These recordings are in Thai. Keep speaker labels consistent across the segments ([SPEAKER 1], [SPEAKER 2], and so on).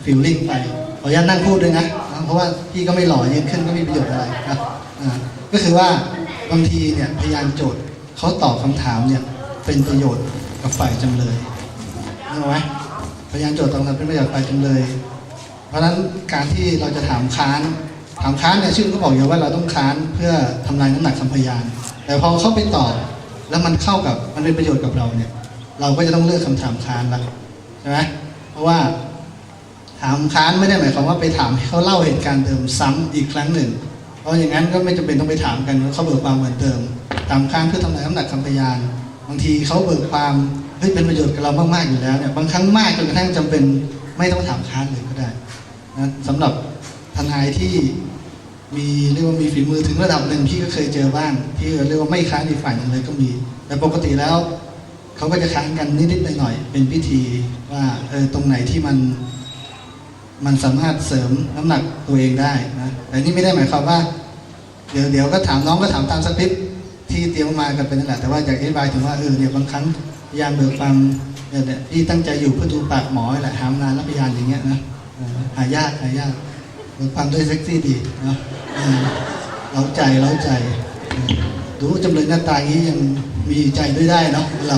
[SPEAKER 1] ฟิลลิ่งไปขออนุญาตนั่งพูดด้วยนะเพราะว่าพี่ก็ไม่หล่อยืนขึ้นก็ไม่มีประโยชน์อะไรนะก็คือว่าบางทีเนี่ยพยานโจทย์เขาตอบคำถามเนี่ยเป็นประโยชน์กับฝ่ายจำเลยรู้ไหมพยานโจทย์ตอบคำถามเป็นประโยชน์ฝ่ายจำเลย เพราะฉะนั้นการที่เราจะถามค้านเนี่ยชื่อก็บอกอยู่ว่าเราต้องค้านเพื่อทำลายน้ำหนักคำพยานแต่พอเขาไปตอบแล้วมันเข้ากับมันเป็นประโยชน์กับเราเนี่ยเราก็จะต้องเลือกคำถามค้านละใช่ไหมเพราะว่าถามค้านไม่ได้หมายความว่าไปถามให้เขาเล่าเหตุการณ์เดิมซ้ำอีกครั้งหนึ่งเพราะอย่างนั้นก็ไม่จำเป็นต้องไปถามกันว่าเขาเบิกความเหมือนเดิมถามค้านเพื่อทำลายน้ำหนักคำพยานบางทีเขาเบิกความเป็นประโยชน์กับเรามากๆอยู่แล้วเนี่ยบางครั้งมากจนกระทั่งจำเป็นไม่ต้องถามค้านเลยก็ได้นะสำหรับทนายที่เรียกว่ามีฝีมือถึงระดับหนึ่งพี่ก็เคยเจอบ้างที่เรียกว่าไม่ค้านอีกฝ่ายหนึ่งเลยก็มีแต่ปกติแล้วเขาก็จะค้านกันนิดๆหน่อยๆเป็นพิธีว่าตรงไหนที่มันสามารถเสริมน้ำหนักตัวเองได้นะแต่นี่ไม่ได้หมายความว่าเดี๋ยวก็ถามน้องก็ถามตามสคริปต์ที่เตรียมมากันเป็นนั่นแหละแต่ว่าอยากอธิบายถึงว่าเนี่ยบางครั้งพยานเบิกความเนี่ยพี่ตั้งใจอยู่เพื่อดูปากหมอแหละหามนานแล้วพยานอย่างเงี้ยนะหายากเบิกความด้วยเซ็กซี่ดีเนาะเล้าใจดูจำเลยหน้าตาอย่างนี้ยังมีใจด้วยได้เนาะเรา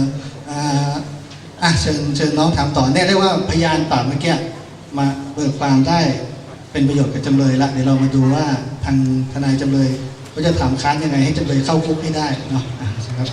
[SPEAKER 1] เชิญน้องถามต่อเนี่ยเรียกว่าพยานปากเมื่อกี้มาเบิกความได้เป็นประโยชน์กับจำเลยละเดี๋ยวเรามาดูว่าทางทนายจำเลยเขาจะถามค้านยังไงให้จำเลยเข้าคุกให้ได้เนาะครับ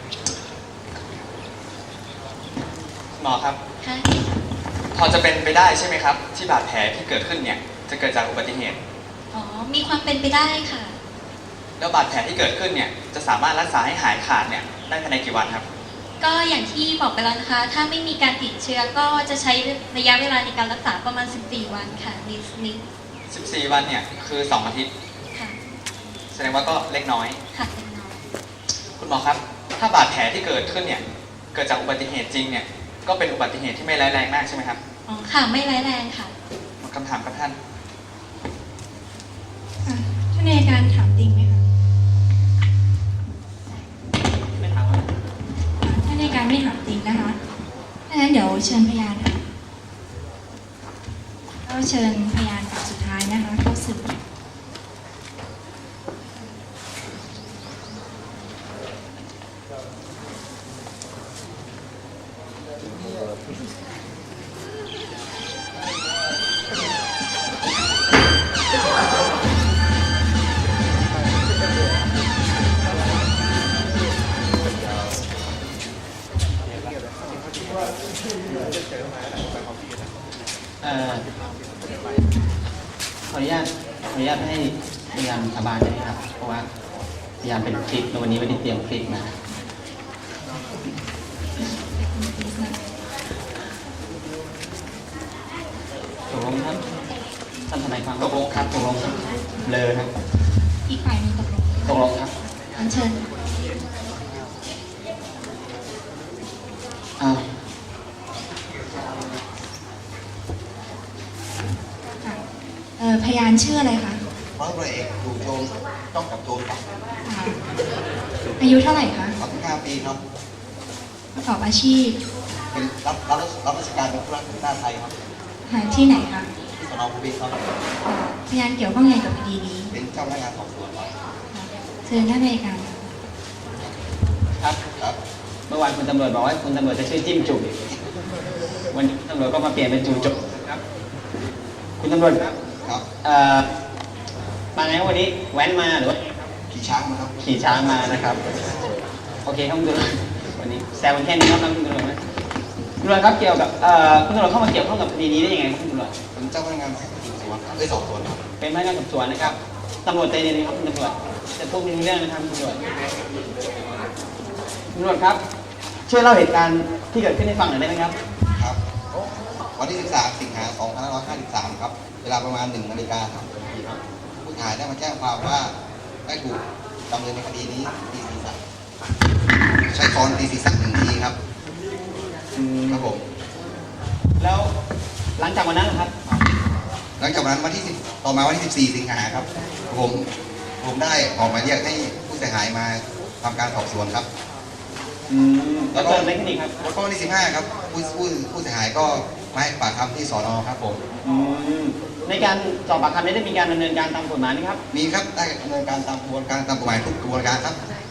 [SPEAKER 2] หมอครับพอจะเป็นไปได้ใช่ไหมครับที่บาดแผลที่เกิดขึ้นเนี่ยจะเกิดจากอุบัติเหตุ
[SPEAKER 3] มีความเป็นไปได้ค่ะ
[SPEAKER 2] แล้วบาดแผลที่เกิดขึ้นเนี่ยจะสามารถรักษาให้หายขาดเนี่ยได้ภายในกี่วันครับ
[SPEAKER 3] ก็อย่างที่บอกไปแล้วนะคะถ้าไม่มีการติดเชื้อก็จะใช้ระยะเวลาในการรักษาประมาณ14 วันค่ะ
[SPEAKER 2] 14 วันเนี่ยคือ2 อาทิตย์
[SPEAKER 3] ค่ะ
[SPEAKER 2] แสดงว่าก็เล็กน้อย
[SPEAKER 3] ค่ะเล็กน้อย
[SPEAKER 2] คุณหมอครับถ้าบาดแผลที่เกิดขึ้นเนี่ยเกิดจากอุบัติเหตุจริงเนี่ยก็เป็นอุบัติเหตุที่ไม่ร้ายแรงมากใช่ไหมครับ
[SPEAKER 3] ค่ะไม่ร้ายแรงค่ะ
[SPEAKER 2] คำถามครับท่าน
[SPEAKER 4] ท่านอัยการถามจริงไหมคะ
[SPEAKER 2] ไม่ถามครับ
[SPEAKER 4] ท่านอัยการไม่ถามจริงนะคะถ้างั้นเดี๋ยวเชิญพยานค่ะก็เชิญพยานปากสุดท้ายนะคะเข้าสืบ
[SPEAKER 5] ขออนุญาตให้พยานสาบานได้ไหมครับเพราะว่าพยานเป็นคลิปวันนี้ไม่ได้เตรียมคลิปมาตกลงครับท่านทนายความตกลงครับเลยครับ
[SPEAKER 4] อีกฝ่ายนึง
[SPEAKER 5] ตกลงครับ
[SPEAKER 4] เชิญพยานชื่ออะไรคะ
[SPEAKER 6] ร้อยตำรวจเอกถูกโจมต้องกับโจมครับ
[SPEAKER 4] อายุเท่าไหร่คะ
[SPEAKER 6] 35 ปีครับ
[SPEAKER 4] ประกอบอาชีพ
[SPEAKER 6] เป็นรับราชการเป็นผู้รับหน้าไทยครับ
[SPEAKER 4] ที่ไหนคะ
[SPEAKER 6] ที่สน.ภูเบศรครับ
[SPEAKER 4] พยานเกี่ยวข้องไงกับคดีนี้
[SPEAKER 6] เป็นเจ้าพนักงานสอบสวนครับ
[SPEAKER 4] เชิญท่านอัยการ
[SPEAKER 5] ครับเมื่อวานคุณตำรวจบอกว่าคุณตำรวจจะชื่อจิ้มจุ่มวันนี้ตำรวจก็มาเปลี่ยนเป็นจุ่มครับคุณตำรวจครับมาไงวันนี้แว้นมาหรือว่า
[SPEAKER 6] ขี่ช้างมาครับ
[SPEAKER 5] ขี่ช้างมานะครับโอเคครับคุณตำรวจวันนี้แซวกันแค่นี้ครับคุณตำรวจนะคุณตำรวจครับเกี่ยวกับคุณตำรวจเข้ามาเกี่ยวข้องกับคดีนี้ได้ยังไงครับคุณตำรวจ
[SPEAKER 6] เป็นเจ้าพนักงานสอบสวนสอบสวนครับ
[SPEAKER 5] เป็นพนักงานสอบสวนนะครับตำรวจใจเย็นครับคุณตำรวจจะพูดเรื่องนะครับคุณตำรวจครับช่วยเล่าเหตุการณ์ที่เกิดขึ้นให้ฟังหน่อยได้ไหมครับ
[SPEAKER 6] ครับวันที่13 สิงหาคม 2553ครับเวลาประมาณ1 นาฬิกาครับผู้ถ่ายได้มาแจ้งความว่าได้ถูกดำเนินในคดีนี้ตีศีรษะใช้ค้อนตีศีรษะ1 ทีครับครับผม
[SPEAKER 5] แล้วหลังจากวันนั้นนะครับ
[SPEAKER 6] หลังจากวันนั้นต่อมาวันที่14 สิงหาครับผมได้ออกหมายเรียกให้ผู้เสียหายมาทำการสอบสวนครับ
[SPEAKER 5] แล้วก็ในคดีครับ
[SPEAKER 6] แล้วก็วันที่15ครับผู้เสียหายก็มาให้ปากคำที่สนครับผม
[SPEAKER 5] ในการสอบปากคำนี้ได้มีการดำเนินการตามกฎหมายไหมครับ
[SPEAKER 6] มีครับได้ดำเนินการตามกระบวนการตามกฎหมายทุกกระบวนการครับ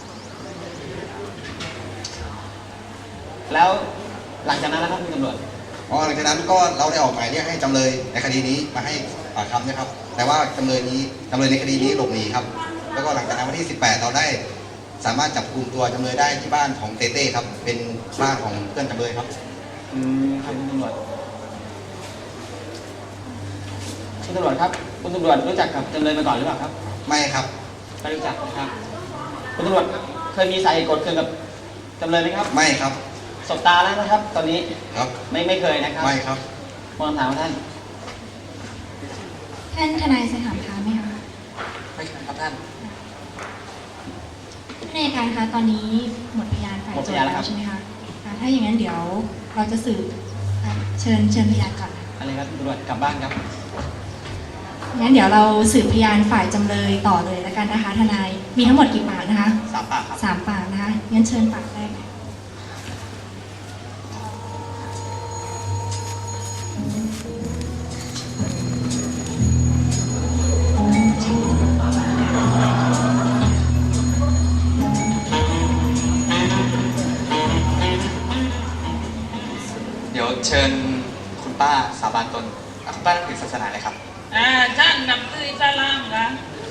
[SPEAKER 5] แล้วหลังจากนั้นนะครับคุณตำรวจ
[SPEAKER 6] หลังจากนั้นก็เราได้ออกหมายเรียกให้จำเลยในคดีนี้มาให้ปากคำนะครับ แต่ว่าจำเลยในคดีนี้หลบหนีครับ แล้วก็หลังจากนั้นวันที่ 18 เราได้สามารถจับกุมตัวจำเลยได้ที่บ้านของเต้เต้ครับ เป็นบ้านของเพื่อนจำเลยครับ
[SPEAKER 5] ครับคุณตำรวจคุณตำรวจครับคุณตำรวจรู้จักกับจำเลยมาก่อนหรือเปล่าครับ
[SPEAKER 6] ไม่ครับ
[SPEAKER 5] ไม่รู้จักนะครับคุณตำรวจเคยมีสาเหตุโกรธเคืองกับจำเลยไหมครับ
[SPEAKER 6] ไม่ครับ
[SPEAKER 5] สบตาแล้วนะครับ ตอนนี้
[SPEAKER 6] ครับ
[SPEAKER 5] ไม่เคยนะครับ
[SPEAKER 6] ไม่ครับ
[SPEAKER 5] มองคำถามของท่าน
[SPEAKER 4] ท่านทนายจะถามค้านไหมคะ
[SPEAKER 2] ไม่เคยครับท่าน
[SPEAKER 4] ท่านอัยการคะตอนนี้หมดพยานฝ่ายโจทย์แล้วใช่ไหมคะถ้าอย่างนั้นเดี๋ยวเราจะสืบเชิญพยานก่อนค่ะ
[SPEAKER 5] อะไรครับคุณตำรวจกลับบ้านครับ
[SPEAKER 4] งั้นเดี๋ยวเราสืบพยานฝ่ายจำเลยต่อเลยแล้วกันนะคะทนายมีทั้งหมดกี่ปากนะคะ
[SPEAKER 5] 3 ปากครับ
[SPEAKER 4] 3 ปากนะคะงั้นเชิญปากแรกค่ะ
[SPEAKER 2] เดี๋ยวเชิญคุณป้าสาบานตนคุณป้านับถือศาสนาอะไรครับ
[SPEAKER 7] ท่านนับถืออิสลามค่ะ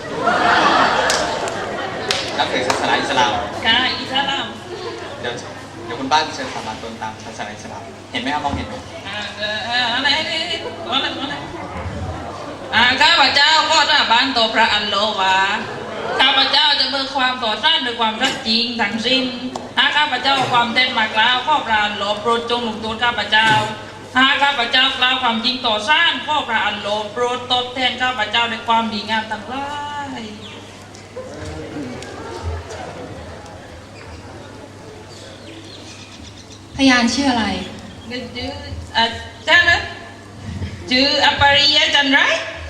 [SPEAKER 2] นับถือศาสนาอิสลาม
[SPEAKER 7] ค่ะอิสลาม
[SPEAKER 2] เดี๋ยวคุณป้าเชิญสาบานตนตามศาสนาอิสลาม เห็นไหมครับมองเห็นไหม
[SPEAKER 7] อะไรข้าพเจ้าก็สาบานต่อพระอัลลอฮ์ว่าข้าพเจ้าจะเบิกความต่อต้านด้วยความรักจริงทั้งสิ้นถ้าข้าพเจ้าความเท็จมากล่าวข้อพระอัลลอฮ์โปรดจงลงโทษข้าพเจ้าถ้าข้าพเจ้ากล่าวความจริงต่อซ่านข้อพระอัลลอฮ์โปรดตอบแทนข้าพเจ้าด้วยความดีงามทั้งหลาย
[SPEAKER 4] พยานชื่ออะไร
[SPEAKER 7] ชื่อจ้านะชื่ออปริยะจันไร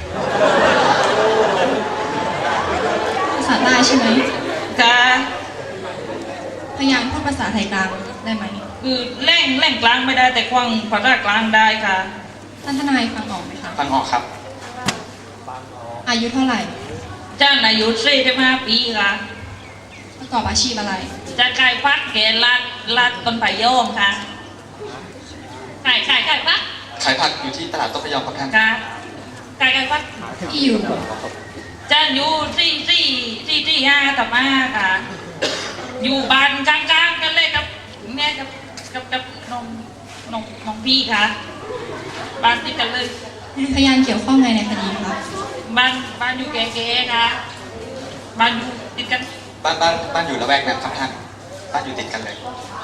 [SPEAKER 4] ภาษาใต้ใช่ไหม
[SPEAKER 7] กา
[SPEAKER 4] พยานพูดภาษาไทยกลางได้ไหม
[SPEAKER 7] คือแร่งกลางไม่ได้แต่ควางภาษากลางได้ค่ะ
[SPEAKER 4] ท่านทนายฟังออกไหมคะ
[SPEAKER 2] ฟังออกครับ
[SPEAKER 4] อายุเท่าไหร่
[SPEAKER 7] จ้านอายุ45 ปีค่ะ
[SPEAKER 4] ประกอบอาชีพอะไร
[SPEAKER 7] จะขายพักแกลาดต้นไผ่โยมค่ะขายพัก
[SPEAKER 2] ขายผักอยู่ที่ตลาดต้นพยอมครับท่าน
[SPEAKER 7] ค่ะขายพัก
[SPEAKER 4] ที่อยู่
[SPEAKER 7] จ้านอยู่ที่5ต่อมาค่ะ อยู่บ้านกลางๆกันเลยกับแม่กับน้องพี่ค่ะ บ้านติดกันเลย
[SPEAKER 4] พยานเกี่ยวข้องในคดีคะ
[SPEAKER 7] บ้านอยู่แก่ๆค่ะบ้านอยู่ติดกัน
[SPEAKER 2] บ้านอยู่ละแวกนั้นครับท่าน บ้านอยู่ติดกันเลย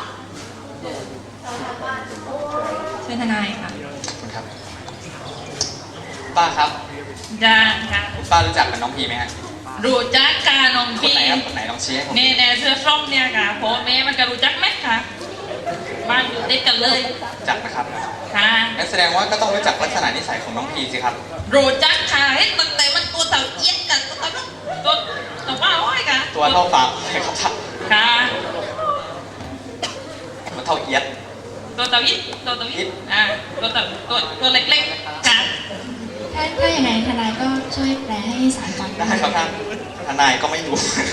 [SPEAKER 4] เชิญทนายค่ะ
[SPEAKER 2] ขอบคุณครับ ป้าครับ
[SPEAKER 7] จ้าค่ะ
[SPEAKER 2] คุณป้ารู้จักกับน้องพีไหมฮะ
[SPEAKER 7] รู้จักค่ะน้อง
[SPEAKER 2] คน
[SPEAKER 7] พี่
[SPEAKER 2] ไหนครับคนไหนลองชี้ให้ผม
[SPEAKER 7] แน่เสื้อส้มเนี่ยค่ะพ่อแม่มันก็รู้จักไหมค่ะบ้านอยู่ติดกันเลย
[SPEAKER 2] รู้จักนะครับ
[SPEAKER 7] ค่ะ
[SPEAKER 2] งั้นแสดงว่าก็ต้องรู้จักลักษณะนิสัยของน้องพีสิครับ
[SPEAKER 7] รู้จักค่ะเห็นตั้งแต่มันตัวเต่าเอี้ยนกันตัวว่าห้อยค่ะ
[SPEAKER 2] ตัวเท่าฟางเลยครับท่าน
[SPEAKER 7] ค่ะ
[SPEAKER 2] ตัวเท่าเอียด
[SPEAKER 7] ตัวเต่าเอี้ยนตัวเล็กๆค่ะ
[SPEAKER 4] ถ้าอย่างไรทนายก็ช่วยแปลให้ศาลฟัง
[SPEAKER 2] ได้ครับท่าน ทนายก็ไม่รู้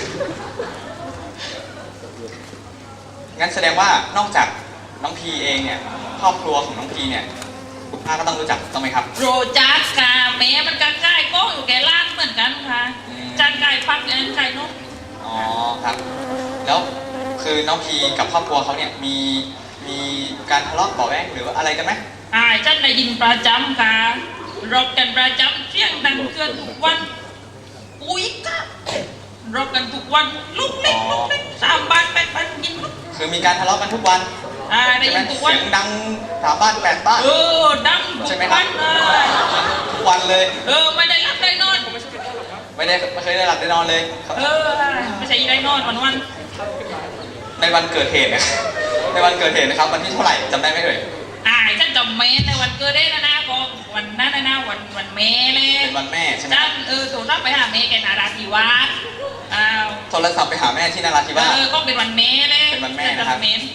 [SPEAKER 2] งั้นแสดงว่านอกจากน้องพีเองเนี่ย ครอบครัวของน้องพีเนี่ย คุณป้าก็ต้องรู้จักต้องไหมครับ
[SPEAKER 7] รู้จักค่ะแม่มันก็ใกล้ก็อยู่แก่ร้านเหมือนกันค่ะจันไก่พักอันไก่นก
[SPEAKER 2] อ๋อครับ แล้วคือน้องพีกับครอบครัวเขาเนี่ยมีการทะเลาะเบาะแว้งหรือว่าอะไรกันไหม
[SPEAKER 7] ฉันได้ยินประจำค่ะรบกันประจำเสียงดังเกินทุกวันอุ้ยค่ะรบกันทุกวันลูกเล็ก3 บ้าน8 บ้านยินลูก
[SPEAKER 2] คือมีการทะเลาะกันทุกวัน
[SPEAKER 7] ได้
[SPEAKER 2] ใช่ไหม
[SPEAKER 7] ยินทุกวัน
[SPEAKER 2] เสียงดัง3 บ้าน 8 บ้าน
[SPEAKER 7] ดังทุ
[SPEAKER 2] ใช่
[SPEAKER 7] ก
[SPEAKER 2] ไหมครั
[SPEAKER 7] วั
[SPEAKER 2] บ
[SPEAKER 7] นเลย
[SPEAKER 2] ทุกวันเลย
[SPEAKER 7] ไม่ได้รับได้นอน
[SPEAKER 2] ไม่เคยได้หลับได้นอนเลย
[SPEAKER 7] ไม่ใช่ได้นอนวัน
[SPEAKER 2] ในวันเกิดเหตุนะ ในวันเกิดเหตุนะครับวันที่เท่าไหร่จำได้ไหมเอ่ย
[SPEAKER 7] ฉันจำเมนในวันเกิดได้นะก็วันนั้นนะวันเมเลย
[SPEAKER 2] เป็นวันแม่ใช่ไหม
[SPEAKER 7] ฉันโทรศัพท์ไปหาเมย์แกนาราธิวาส
[SPEAKER 2] โทรศัพท์ไปหาแม่ที่นราธิวาส
[SPEAKER 7] ก็เป็นวันเมย์เลย
[SPEAKER 2] เป็นวันแม่นะครับ
[SPEAKER 7] เมย์พูดเป็น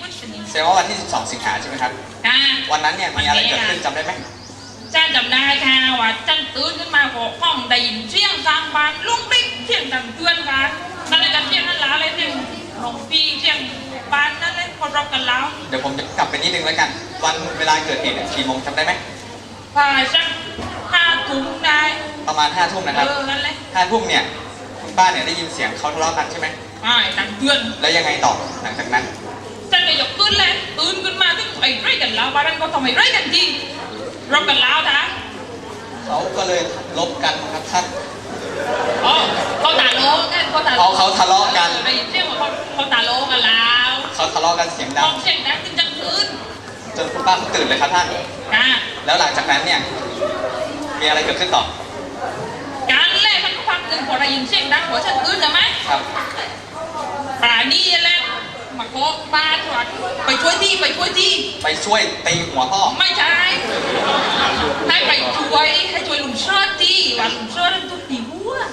[SPEAKER 2] แสดงว่าวันที่ 12 สิงหาใช่ไหมครับ
[SPEAKER 7] ค่ะ
[SPEAKER 2] วันนั้นเนี่ยมีอะไรเกิดขึ้นจำได้ไหม
[SPEAKER 7] จ้าจำได้ค่ะว่าจันตื่นขึ้นมาก็ห้องได้ยินเสียงกลางบ้านลุกลิ้กเสียงดังเตือนกันนั่นเลยกันเสียงนั่นหลาเลยเสียงหลวงพี่เสียงบ้านนั่นเลยคนรบกันแล้ว
[SPEAKER 2] เดี๋ยวผมจะกลับไปนิดนึงแล้วกัน วันเวลาเกิดเหตุเนี่ยกี่โมงจำได้ไหม
[SPEAKER 7] ฝ่ายสัก5 ทุ่มได้
[SPEAKER 2] ประมาณ5 ทุ่มนะครับ
[SPEAKER 7] นั่นเลย
[SPEAKER 2] 5 ทุ่มเนี่ยคุณป้าเนี่ยได้ยินเสียงเขาทะเลาะกันใช่ไหม
[SPEAKER 7] ดังเตือน
[SPEAKER 2] แล้วยังไงต่อหลังจากนั้น
[SPEAKER 7] ฉันก็ยกขึ้นเลยตื่นขึ้นมาถึงไอ้ไรกันแล้วบ้านนั้นก็ทำไอ้ไรกันทีรบกันแล้วนะ
[SPEAKER 2] เขาก็เลยลบกันครับท่าน
[SPEAKER 7] อ๋อเขาตาโลกันเขาตา
[SPEAKER 2] เขาทะเลาะกัน
[SPEAKER 7] ได้ยินเสียงว่าเขาตาโลกันแล้ว
[SPEAKER 2] เขาทะเลาะกันเสียงดั
[SPEAKER 7] ห้
[SPEAKER 2] ง
[SPEAKER 7] องเสียงดังขึ้นจังคืน
[SPEAKER 2] จนคุณป้าเขาตื่นเลยครับท่าน
[SPEAKER 7] อ่า
[SPEAKER 2] แล้วหลังจากนั้นเนี่ยมีอะไรเกิดขึ้นต่อ
[SPEAKER 7] การแรกมันก็ฟังหนึ่งพอได้ยินเสียงดังหัวฉันตื่นใช่ไหม
[SPEAKER 2] ครับ
[SPEAKER 7] ป่านี้แหละมาโกะบ้านว่าไปช่วยที่
[SPEAKER 2] ไปช่วยตีหัวพ่อ
[SPEAKER 7] ไม่ใช่ให้ไปช่วยลุงเชิดที่ว่าลุงเชิดนั้นทุกตีหัว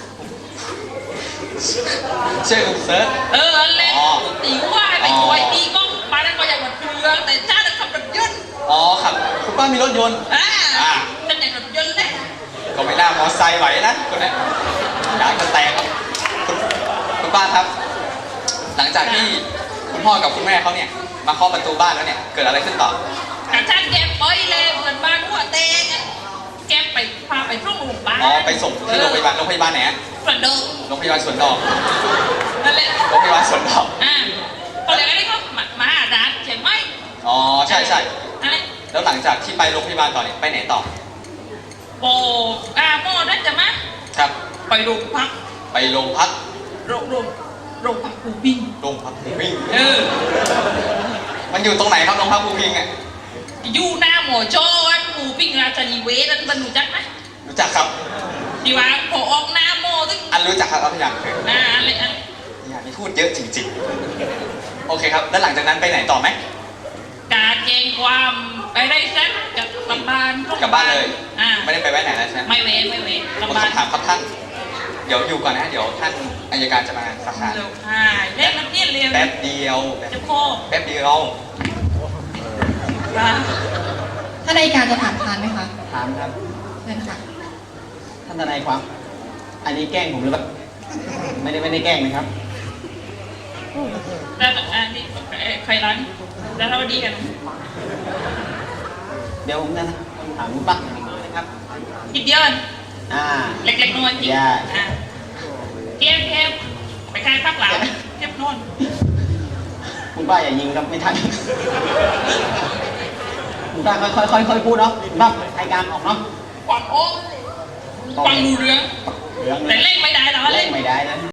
[SPEAKER 2] เชื่อคุณเซิร์ช
[SPEAKER 7] เล่น
[SPEAKER 2] อ๋อ
[SPEAKER 7] ตีหัวให้ไปช่วยที่ก็บ้านนั้นก็อยากมาเรือแต่ชาติขับรถยนต์
[SPEAKER 2] อ๋อครับคุณป้ามีรถยนต์
[SPEAKER 7] ฉันอยากรถยนต์เลย
[SPEAKER 2] ก็ไม่น่ามอไซค์ไหวนะคนนี้ยางจะแตกครับคุณป้าครับ หลังจากที่คุณพ่อกับคุณแม่เขาเนี่ยมาเคาะประตูบ้านแล้วเนี่ยเกิดอะไรขึ้นต่อ
[SPEAKER 7] กับฉันแกไปเลยเหมือนบ้านหัวเตงแกไปพาไปส่งโรงพยาบาล
[SPEAKER 2] อ๋อไปส่งที่โรงพยาบาลไหนฮะ
[SPEAKER 7] กระเดิม
[SPEAKER 2] โรงพยาบาลสวนดอก
[SPEAKER 7] นั่นแหละ
[SPEAKER 2] โรงพยาบาลสวนดอก
[SPEAKER 7] พอเรียกอะไรก็มาหาร้านใช่ไหม
[SPEAKER 2] อ๋อใช่ใช่
[SPEAKER 7] นั่นแหละ
[SPEAKER 2] แล้วหลังจากที่ไปโรงพยาบาลต่อเนี่ยไปไหนต่อ
[SPEAKER 7] โอ้โม่นั่นจะมา
[SPEAKER 2] ครับ
[SPEAKER 7] ไปโรงพัก
[SPEAKER 2] ไปโรงพัก
[SPEAKER 7] โรงพักปูปิ้ง
[SPEAKER 2] โรงพักภูพิง
[SPEAKER 7] มัน
[SPEAKER 2] อยู่ตรงไหนครับโรงพักภูพิงอ่ะ
[SPEAKER 7] อยู่หน้าหมอโจ้ปูปิ้งราชนิเวศนั่นบรรลุจักไหม
[SPEAKER 2] รู้จักครับ
[SPEAKER 7] ที่ว่าพอออกหน้าโมตึง
[SPEAKER 2] รู้จักครับพี่ยังเคย
[SPEAKER 7] อะไร
[SPEAKER 2] พี่ยังนี่พูดเยอะจริงๆโอเคครับแล้วหลังจากนั้นไปไหนต่อไหม
[SPEAKER 7] การแจ้งความไปได้แซ่บกับกลับบ้าน
[SPEAKER 2] กลับบ้านเลย
[SPEAKER 7] ไม่
[SPEAKER 2] ไม่ได้ไปแวะไหนแล้วใช่ไหม
[SPEAKER 7] ไม่เว้นกลับ
[SPEAKER 2] ผม
[SPEAKER 7] บ้าน
[SPEAKER 2] คำถามครับท่าน เดี๋ยวอยู่ก่อนนะ เดี๋ยวท่านอัยการจะมาสักการ
[SPEAKER 7] เร็วเล่นนักเรียนเร็ว
[SPEAKER 2] แป๊บเดียว
[SPEAKER 7] เจ้าโค
[SPEAKER 2] แป๊บเดียว
[SPEAKER 8] ท่านอัยการจะถามทานไหมคะ
[SPEAKER 5] ถามครับ
[SPEAKER 8] เชิญค่ะ
[SPEAKER 5] ท่านทนายความ อันนี้แกล้งผมหรือเปล่าไม่ได้แกล้งนะครับ
[SPEAKER 7] แล้วนี่ใครร้านแล้วเราดีกัน
[SPEAKER 5] เดี๋ยวผมจะถามคุณป้าอย่างนี้นะครับ
[SPEAKER 7] นิดเดียว
[SPEAKER 5] อ่า
[SPEAKER 7] เล็กๆน้อยจริงเทียบไปขายพักหลังเทียบนอน
[SPEAKER 5] คุณป้าอย่ายิงครับไม่ทัน คุณป้าค่อยพูดเนาะคุณป้ารายการออกเนาะ
[SPEAKER 7] ความโอ้ความดูเรื่อง
[SPEAKER 5] เรื่อง
[SPEAKER 7] แต่เล่นไม่ได้แต่ว่า
[SPEAKER 5] เล่
[SPEAKER 7] เล่
[SPEAKER 5] น
[SPEAKER 7] น
[SPEAKER 5] ไม่ได้นะ